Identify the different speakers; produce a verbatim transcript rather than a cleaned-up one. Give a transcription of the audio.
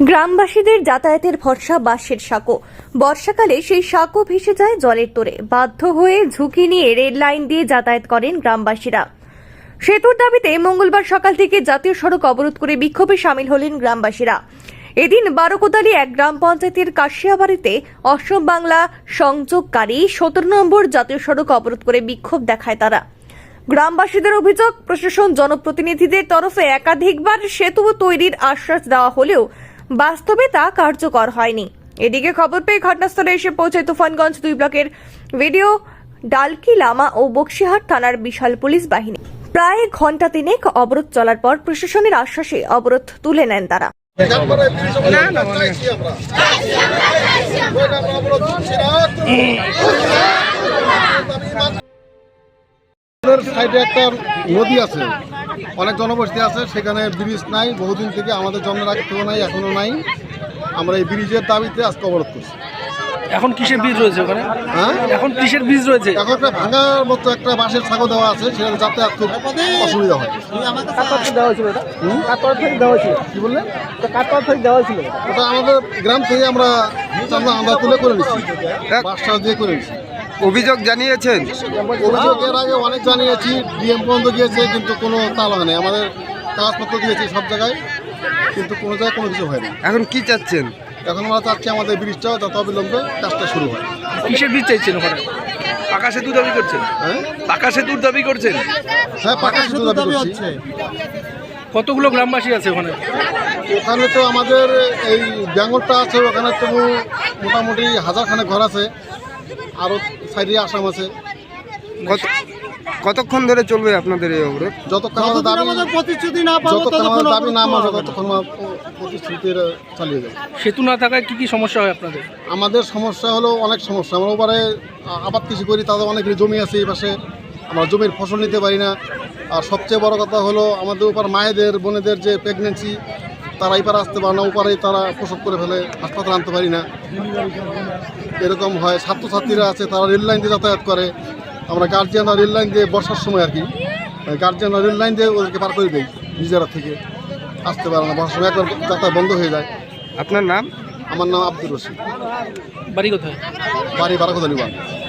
Speaker 1: গ্রামবাসীদের যাতায়াতের ভরসা বাঁশের সাঁকো। বর্ষাকালে সেই সাঁকো ভেসে যায় জলের তোড়ে। বাধ্য হয়ে ঝুঁকি নিয়ে রেল লাইন দিয়ে যাতায়াত করেন গ্রামবাসীরা। সেতুর দাবিতে মঙ্গলবার সকাল থেকে জাতীয় সড়ক অবরোধ করে বিক্ষোভে সামিল হলেন গ্রামবাসীরা। এদিন বারোকোদালি এক গ্রাম পঞ্চায়েতের কাশিয়াবাড়িতে অসম বাংলা সংযোগকারী সতেরো নম্বর জাতীয় সড়ক অবরোধ করে বিক্ষোভ দেখায় তারা। গ্রামবাসীদের অভিযোগ, প্রশাসন জনপ্রতিনিধিদের তরফে একাধিকবার সেতু তৈরির আশ্বাস দেওয়া হলেও বাস্তবে তা কার্যকর হয়নি। এদিকে খবর পেয়ে ঘটনাস্থলে এসে পৌঁছায় তুফানগঞ্জ দুই ব্লকের ভিডিও ডালকি লামা ও বক্সিহাট থানার বিশাল পুলিশ বাহিনী। প্রায় ঘন্টা তিনেক অবরোধ চলার পর প্রশাসনের আশ্বাসে অবরোধ তুলে নেন তারা।
Speaker 2: সাইডে একটা নদী আছে, অনেক জনবসতি আছে, সেখানে ব্রিজ নাই, বহুদিন থেকে আমাদের জন্মের আগে থেকেও নাই, এখনো নাই। আমরা এই ব্রিজের দাবিতে আজকে অবরোধ করছি।
Speaker 3: এখন কিসের বীজ রয়েছে ওখানে?
Speaker 2: হ্যাঁ,
Speaker 3: এখন কিসের বীজ রয়েছে?
Speaker 2: এখন একটা ভাঙার মতো একটা বাঁশের ছাগল দেওয়া আছে, সেখানে যাতায়াত খুব অসুবিধা হয়। কি বললেন? ওটা আমাদের গ্রাম থেকে আমরা চাঁদা আমরা তুলে করে নিচ্ছি, বাঁশটা দিয়ে করে নিচ্ছি।
Speaker 4: অভিযোগ জানিয়েছেন?
Speaker 2: অভিযোগ এর আগে অনেক জানিয়েছি, ডিএম পর্যন্ত গিয়েছে, কিন্তু কোনো তাল হয় না। আমাদের কাগজপত্র দিয়েছি সব জায়গায়, কিন্তু কোনো জায়গায় কোনো কিছু হয়নি।
Speaker 4: এখন কি চাচ্ছেন?
Speaker 2: এখন আমরা চাচ্ছি আমাদের ব্রিজটা যত অবিলম্বে কাজটা শুরু হয়।
Speaker 3: কিসের বীজ চাইছেন ওখানে? পাকা সেতু দাবি করছেন?
Speaker 2: হ্যাঁ
Speaker 3: পাকা সেতুর দাবি করছেন?
Speaker 2: হ্যাঁ, পাকা সেতু দাবি করছি।
Speaker 3: কতগুলো গ্রামবাসী আছে ওখানে?
Speaker 2: ওখানে তো আমাদের এই বেঙ্গলটা আছে, ওখানে তবু মোটামুটি হাজারখানেক ঘর আছে, আরও সাইডে আসাম আছে।
Speaker 4: কত কতক্ষণ ধরে চলবে আপনাদের এই অবরোধ?
Speaker 2: যতক্ষণ আমাদের দাবি প্রতিশ্রুতি না পাবো, যতক্ষণ আমাদের দাবি না মানবে ততক্ষণ প্রতিশ্রুতির চালিয়ে যাবে।
Speaker 3: সেতু না থাকায় কি কি সমস্যা হয় আপনাদের?
Speaker 2: আমাদের সমস্যা হলো অনেক সমস্যা। আমরা ওপারে আবাদ কৃষি করি, তাদের অনেক জমি আছে এই পাশে, আমরা জমির ফসল নিতে পারি না। আর সবচেয়ে বড় কথা হলো আমাদের ওপার মায়েদের বোনেদের যে প্রেগনেন্সি, তারা এই পারে আসতে পারে না, ওপারে তারা প্রসব করে ফেলে, হাসপাতালে আনতে পারি না, এরকম হয়। ছাত্রছাত্রীরা আছে, তারা রেল লাইন দিয়ে যাতায়াত করে। আমরা গার্জিয়ানরা রেল লাইন দিয়ে বর্ষার সময় আর কি গার্জিয়ানরা রেল লাইন দিয়ে ওদেরকে পার করে দেয়, নিজেরা থেকে আসতে পারে না। বর্ষার সময় একবার যাতায়াত বন্ধ হয়ে যায়।
Speaker 4: আপনার নাম?
Speaker 2: আমার নাম আব্দুর রশিদ।
Speaker 3: বাড়ি কোথায়?
Speaker 2: বাড়ি বারাকোদালি।